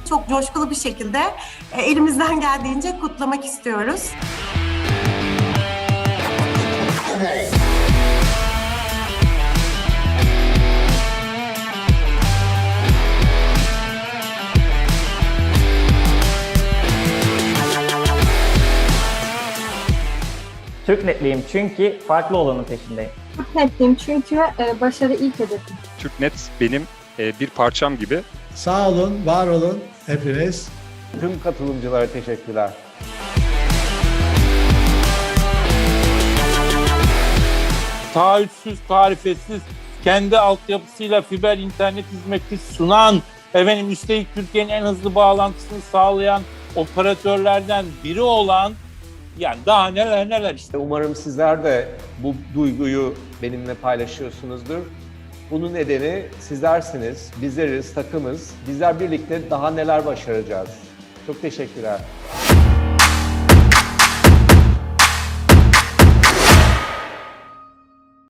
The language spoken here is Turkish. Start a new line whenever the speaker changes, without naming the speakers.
çok coşkulu bir şekilde elimizden geldiğince kutlamak istiyoruz.
Türknetliyim çünkü farklı olanın peşindeyim.
Türknetliyim çünkü başarı ilk hedefim.
Türknet benim bir parçam gibi.
Sağ olun, var olun hepiniz.
Tüm katılımcılara teşekkürler.
Taahhütsüz, tarifesiz, kendi altyapısıyla fiber internet hizmeti sunan, üstelik Türkiye'nin en hızlı bağlantısını sağlayan operatörlerden biri olan, yani daha neler neler işte.
Umarım sizler de bu duyguyu benimle paylaşıyorsunuzdur. Bunun nedeni sizlersiniz, bizleriz, takımız. Bizler birlikte daha neler başaracağız. Çok teşekkürler.